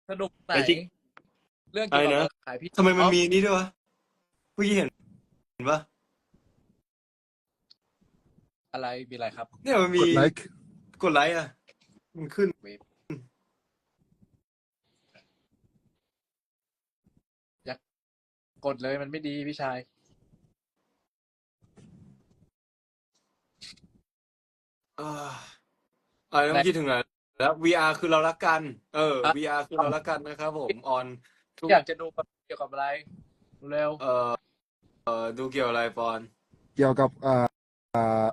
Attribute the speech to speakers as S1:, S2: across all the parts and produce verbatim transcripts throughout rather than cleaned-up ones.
S1: สนุกไหน
S2: แต่จริง
S1: เรื่อง
S2: อะไร
S1: เกี่ยวกับ
S2: นะ
S1: ขายพี่
S2: ทำไม
S1: อ๋อ
S2: มันมีนี่ด้วยวะเมื่อกี้เห็นเห็นปะ
S1: อะไรมีอะไรครับ
S2: เนี่ยมันมี
S3: กดไลค์
S2: กดไลค์อ่ะมันขึ้น
S1: เวฟอยากกดเลยมันไม่ดีพี่ชาย
S2: อ่าอะไร
S1: ไหน
S2: ต้องคิดถึงไหนแล้ว วี อาร์ คือเรารักกันเออ
S1: อ่ะ
S2: วี อาร์ คือเรารักกันนะครับผมออนทุก
S1: อยากจะดูเกี่ยวกับอะไรเร็ว
S2: เอ่อเอ่อดูเกี่ยวอะไรปอน
S3: เกี่ยวกับอ่าอ่า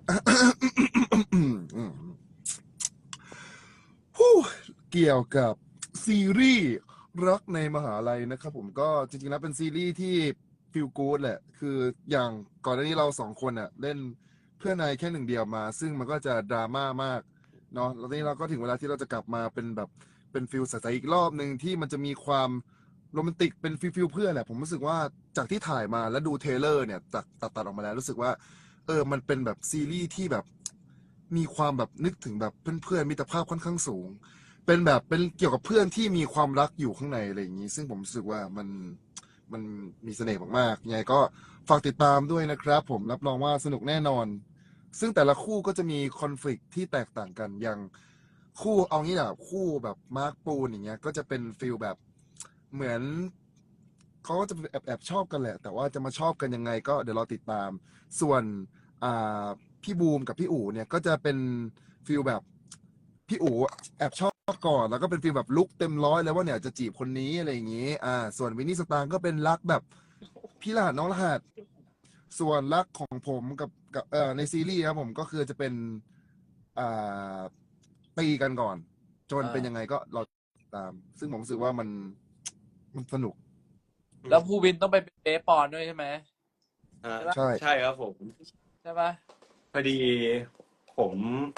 S3: ฮู้เกี่ยวกับซีรีส์รักในมหาลัยนะครับผมก็จริงๆแล้วเป็นซีรีส์ที่ฟีลกู๊ดแหละ คืออย่างก่อนหน้านี้เราสองคนอ่ะเล่นเพื่อนนายแค่หนึ่งเดียวมา ซึ่งมันก็จะดราม่ามากเนาะแล้วทีนี้เราก็ถึงเวลาที่เราจะกลับมาเป็นแบบเป็นฟิลใสๆอีกรอบหนึ่งที่มันจะมีความโรแมนติกเป็นฟิลฟิลเพื่อนแหละผมรู้สึกว่าจากที่ถ่ายมาแล้วดูเทรลเลอร์เนี่ยตัดตัดตัดออกมาแล้วรู้สึกว่า เออ มันเป็นแบบซีรีส์ที่แบบมีความแบบนึกถึงแบบเพื่อนๆมิตรภาพค่อนข้างสูง เป็นแบบเป็นเกี่ยวกับเพื่อนที่มีความรักอยู่ข้างในอะไรอย่างนี้ ซึ่งผมรู้สึกว่ามันมันมีเสน่ห์มากๆยังไงก็ฝากติดตามด้วยนะครับผมรับรองว่าสนุกแน่นอน ซึ่งแต่ละคู่ก็จะมีคอน FLICT ที่แตกต่างกันอย่างคู่เอางี้แหละคู่แบบมาร์คปูนอย่างเงี้ยก็จะเป็นฟิลแบบเหมือนเขาก็จะแอบแอบชอบกันแหละ แต่ว่าจะมาชอบกันยังไงก็เดี๋ยวเราติดตาม ส่วนอ่าพี่บูมกับพี่อู๋เนี่ยก็จะเป็นฟิลแบบพี่อู๋แอบชอบก่อนแล้วก็เป็นฟิลแบบลุกเต็มร้อยแล้วว่าเนี่ยจะจีบคนนี้อะไรอย่างงี้อ่าส่วนวินนี่สตางค์ก็เป็นรักแบบพี่รหัสน้องรหัสส่วนรักของผมกับกับเอ่อในซีรีส์ครับผมก็คือจะเป็นอ่าตีกันก่อน จน
S1: อ่า
S3: เป็นยังไงก็เราติดตาม ซึ่งผมรู้สึกว่ามันมันสนุก
S1: แล้วภูวินต้องไปเป็นเบสปอนด้วยใช่ไหม
S2: อ่า
S1: ใช่ปะ
S3: ใช่
S2: ใช่ครับผม
S1: ใช่ปะ
S2: พอดีผม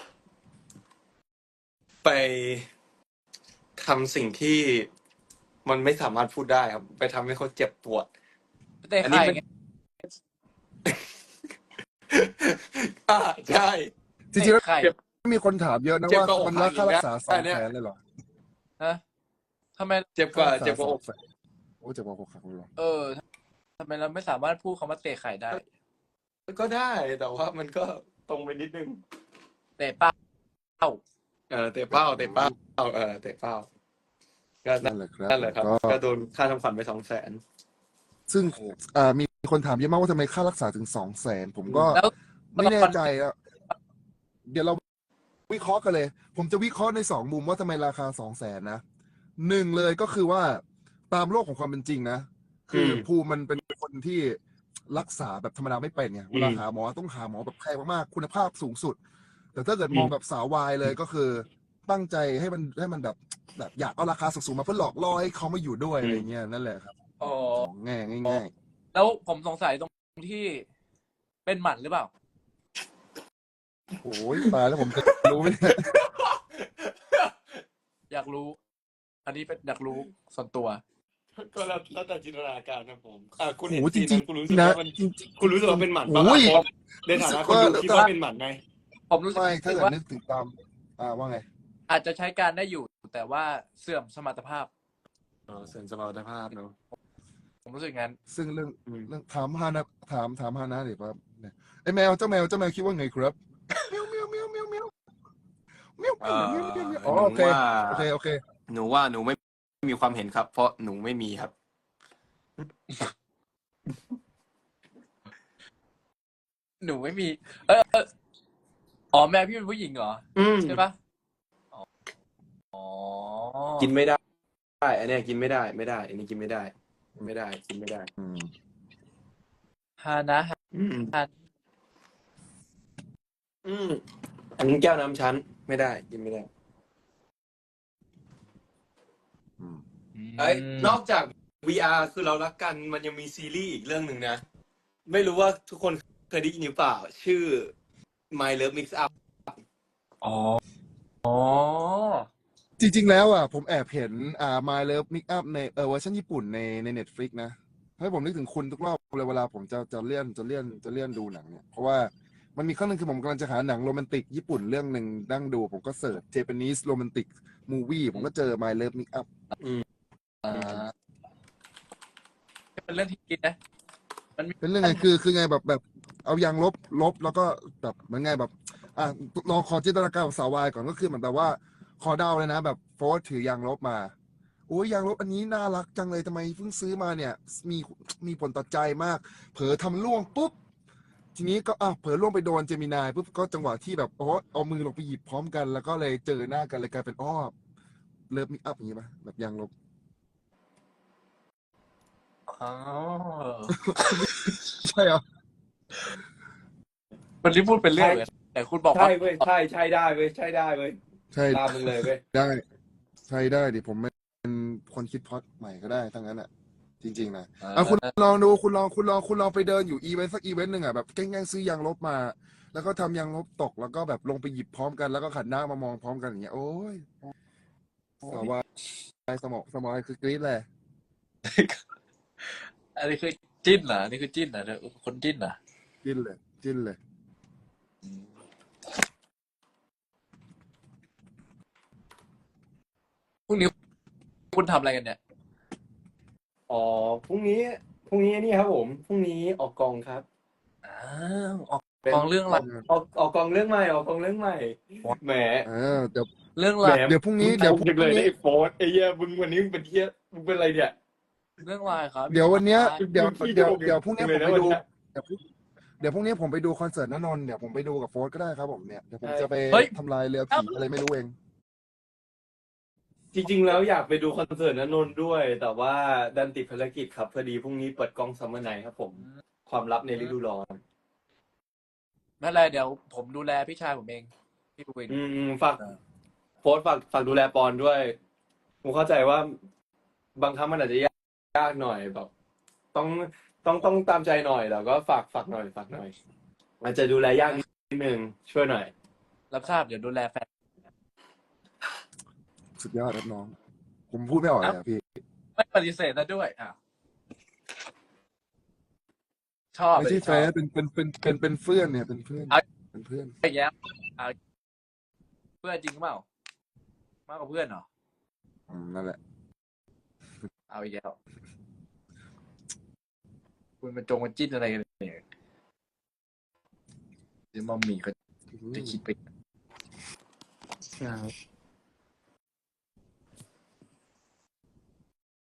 S2: ไปทำสิ่งที่มันไม่สามารถพูดได้ครับ ไปทำให้เขาเจ็บปวด
S1: ไปเตะ
S2: อันนี้มัน
S1: ไข่ไง
S2: อ่าใช่
S3: จริงๆแล้ว
S1: เตะไข่
S2: เจ็บ
S3: มีคนถามเยอะนะ
S2: เจ็บ
S3: ว่าก
S2: ว่าอก
S3: มัน
S2: หั
S3: รั
S2: ก
S3: ก
S2: อี
S3: ค่าก รั
S2: นะ
S3: กษาส
S2: อั
S3: อน ง
S2: เนี้
S3: แส
S2: ย
S3: นเลยเหรอ
S1: ฮะทำไม
S2: เจ็บก
S3: ค่า
S2: ว่า
S3: รักษา
S2: เจ็บก
S3: ส
S2: ว่า
S3: อ
S2: อง ก
S3: แสนโอ้เจ็บกว่าอกหักเลยเหรอ
S1: เออทำไมเราไม่สามารถพูดคำว่าเตะไข่ได้
S2: ก็ได้ แต่ว่ามันก็ตรงไปนิดนึง
S1: เตะเป้า
S2: เออเตะเป้าเตะเป้าเออเตะเป้าก็
S3: นั่นแหละครับ
S2: นั่นแหละครับ
S3: ก็
S2: ก็โดนค่าทำขวัญไปสองแสน
S3: ซึ่งอ่ามีคนถามเยอะมากว่าทำไมค่ารักษาถึงสองแสนผมก็
S1: แล้ว
S3: ไม่แน่
S1: ตอน
S3: ใจอะเดี๋ยวเราวิเคราะห์กันเลย ผมจะวิเคราะห์ในสองมุมว่าทำไมราคาสองแสนนะหนึ่งเลยก็คือว่าตามโลกของความเป็นจริงนะ คืออ
S2: ม
S3: ภูมิมันเป็นคนที่รักษาแบบธรรมดาไม่เป็นไงเวลา
S2: อืม
S3: หาหมอต้องหาหมอแบบแพงมากๆคุณภาพสูงสุด แต่ถ้าเกิด
S2: อื
S3: ม
S2: ม
S3: องแบบสาววายเลยก็คือตั้งใจให้มันให้มันแบบแบบอยากเอาราคาสูงๆมาเพื่อหลอกล่อให้เขามาอยู่ด้วย
S2: อื
S3: อะไร
S2: ม
S3: เงี้ยนั่นแหละครับ
S1: อ๋อ
S3: ของง่ายง่าย
S1: แล้วผมสงสัยตรงที่เป็นหมันหรือเปล่า
S3: ๆโอ้ยตายแล้วผมจะรู้ไหมเนี่ย
S1: อยากรู้ อันนี้เป็นอยากรู้ส่วนตัว
S2: ก็แล้วแล้วแต่จินตนาการนะผมอ่าคุณ
S3: โห
S2: เห็น
S3: จ
S2: ซีน
S3: ริ
S2: นั้
S3: ง
S2: นคุณรู้สึก
S3: ๆนะ
S2: ว่ามัน
S3: จริง
S2: คุณรู้สึกว่าเป็นหมันปะ
S3: โอ้ย
S2: เพราะในฐานะคนดู
S3: รู้สึกว่า
S2: คิดว่าเป็นหมันไง
S1: ผมรู้สึก
S3: ไม่ถ้าเกิด
S1: ว่า
S3: นึกถึงตามอ่าว่าไง
S1: อาจจะใช้การได้อยู่ แต่ว่าเสื่อมสมรรถภาพ
S2: เออเสริมสมรรถภาพเนอะ
S1: ผมรู้สึกงั้น
S3: ซึ่งเรื่อง
S2: อืม
S3: เรื่องถามฮานะถามถามฮานะเดี๋ยวครับเนี่ยไอแมวเจ้าแมวเจ้าแมวคิดว่าไงครับเมียวเมียวเมียวเมียวเมียวเมียว
S2: เอ
S3: เมียวเมียวเมียวเมียว
S2: อ
S3: อ๋อ
S2: หนู
S3: โอเค
S2: ว่า
S3: โอเคโอเค
S2: หนูว่าหนูไม่มีความเห็นครับ เพราะหนูไม่มีครับ
S1: หนูไม่มี เออเอออ๋อแม่พี่เป็นผู้หญิงเหรอ
S2: อืม
S1: ใช่ปะอ๋ออ๋อ
S2: กินไม่ได้อันเนี้ยกินไม่ได้ไม่ได้ อันนี้กินไม่ได้ ไม่ได้ กินไม่ได้
S3: อืม
S1: ฮานะฮา
S2: อืม
S1: ฮา
S2: อืมอันนี้แก้วน้ำชั้นไม่ได้ กินไม่ได้
S3: อืม
S2: เอ้ยนอกจาก วี อาร์ คือเรารักกันมันยังมีซีรีส์อีกเรื่องหนึ่งนะ ไม่รู้ว่าทุกคนเคยได้ยินหรือเปล่า ชื่อ My Love Mix Up
S1: อ๋อ อ๋อ
S3: จริงๆแล้วอ่ะผมแอบเห็นอ่า My Love Mix Up ในเออเวอร์ชันญี่ปุ่นในใน Netflix นะให้ผมนึกถึงคุณทุกรอบเลยเวลาผมจะจะเลื่อนจะเลื่อนจะเลื่อนดูหนังเนี่ยเพราะว่ามันมีครั้งหนึ่งคือผมกำลังจะหาหนังโรแมนติกญี่ปุ่นเรื่องหนึ่งนั่งดูผมก็เสิร์ช Japanese Romantic Movie ผมก็เจอ My Love Mix Up
S2: อืม
S1: อ่าเป็นเรื่องที่คิดนะ มันมี
S3: เป็นเรื่องไงคือคือไงแบบแบบเอายางลบลบแล้วก็แบบเหมือนไงแบบอ่ะลองขอจินตนาการของสาววายก่อนก็คือเหมือนแบบว่าขอเดาเลยนะแบบโฟร์ถือยางลบมาโอ้ยยางลบอันนี้น่ารักจังเลยทำไมเพิ่งซื้อมาเนี่ย มีมีผลต่อใจมาก เผลอทำล่วงปุ๊บทีนี้ก็อ่ะเผลอล่วงไปโดนเจมินายปุ๊บก็จังหวะที่แบบอ๋อเอามือลงไปหยิบพร้อมกัน แล้วก็เลยเจอหน้ากันเลยกลายเป็นอ้อเลิฟมิกอัพอย่างงี้ป่ะแบบยางลบ
S1: อ๋อ
S3: ใช่เหรอ
S1: มันที่พูดเป็นเรื่อ
S2: ใช่
S1: งเลยแต่คุณบอก
S2: ใช่
S1: ว่า
S2: เว้ยใช่ใช่ได้เว้ยใช่ได้เว้ย
S3: ใช่
S2: ตามมึงเลยเว้ย
S3: ได้ใช่ได้ดิผมเป็นคนคิดพล็อตใหม่ก็ได้ทั้งนั้นอ่ะ จริงๆนะ
S1: อ่า
S3: อ่ะคุณลองดูคุณลองคุณลองคุณลองไปเดินอยู่อีเวนต์สักอีเวนต์หนึ่งอ่ะแบบแกล้งๆซื้อยางลบมา แล้วก็ทำยางลบตกแล้วก็แบบลงไปหยิบพร้อมกันแล้วก็ขันหน้ามามองพร้อมกันอย่างเงี้ยโอ้ยสวายสมองสมองคือกรี๊ดเลย
S1: อันนี้คือจิ้นเหรออันนี้คือจิ้นเหรอเธอคนจิ้นเหรอ
S3: จิ้นเลยจิ้นเลย
S1: อืมพรุ่งนี้คุณทำอะไรกันเนี่ย
S2: อ๋อพรุ่งนี้พรุ่งนี้นี่ครับผมพรุ่งนี้ออกกองครับ
S1: อ้าวออก
S2: เป็น
S1: กองเรื่องอะไร
S2: ออกออกกองเรื่องใหม่ออกกองเรื่องใหม่แหม
S3: เออเดี๋ยว
S1: เรื่อง
S2: แห
S1: ลาม ย
S3: เดี๋ยวพรุ่งนี้
S2: มึ
S3: เดี๋ยว
S2: ช
S3: พ
S2: ม
S3: รุ่
S2: จังเลย
S3: ง
S2: นะ
S3: นี้
S2: ไอ้โฟร์ไอ้เหี้ยมึงวันนี้มึงเป็นเหี้ยมึงเป็นอะไรเนี่ย
S1: เรื่องลายครับ
S3: เดี๋ยววันเนี้ย
S1: พี่
S3: เดี๋ยว
S2: มึงขี้
S3: เดี๋ยว
S2: โกง
S3: เดี๋ยวพรุ่งนี้
S2: เล
S3: ผ
S2: ย
S3: ม
S2: นะ
S3: ไป
S2: วัน
S3: ดู
S2: เนี้ย
S3: เดี๋ยวพรุ่งเดี๋ยวพรุ่งนี้ผมไปดูคอนเสิร์ตณนนท์เดี๋ยวผมไปดูกับโฟร์ก็ได้ครับผมเนี่ยเดี๋ยวผม
S2: ใช่
S3: จะไป
S1: เฮ้ย
S3: ทำลายเรือผีอะไรไม่รู้เอง
S2: จริงๆแล้วอยากไปดูคอนเสิร์ตณนนท์ด้วย แต่ว่าดันติดภารกิจครับพอดีพรุ่งนี้เปิดกล้องซัมเมอร์ไนท์ครับผมความลับในฤดูร้อน
S1: ไม่เป็นไรเดี๋ยวผมดูแลพี่ชายผมเอง พี่วิน
S2: อืมฝาก
S1: เออ
S2: โพสต์ฝากฝากดูแลปอนด้วยผมเข้าใจว่าบางครั้งมันอาจจะยากยากหน่อยแบบ ต้องต้องต้องตามใจหน่อยแต่ก็ฝากฝากหน่อยฝากหน่อยอาจจะดูแลยากนิดนึงช่วยหน่อย
S1: รับทราบเดี๋ยวดูแลแฟน
S3: สุดยอดครับน้อง ผมพูดไม่ออกเลยอ่ะพี่
S1: ไม่ปฏิเสธนะด้วยอ่ะชอบ
S3: ไม่ใช่
S1: เลย
S3: แฟ
S1: ชอบ
S3: นเป็นเป็นเป็นเป็นเป็นเพื่อนเนี่ยเป็นเพื่อน
S1: เอา
S3: เป็นเพื่อน
S1: ไอ้แย้มเอาเพื่อนจริงเปล่ามากกว่าเพื่อนเหรอ
S3: อืมนั่นแหละ
S1: เอาอีกแล้วคุณมาจงมาจิ้นอะไรกันเนี่ยเดี๋ยวมัมมี่เขาจะคิดไป
S2: ครับ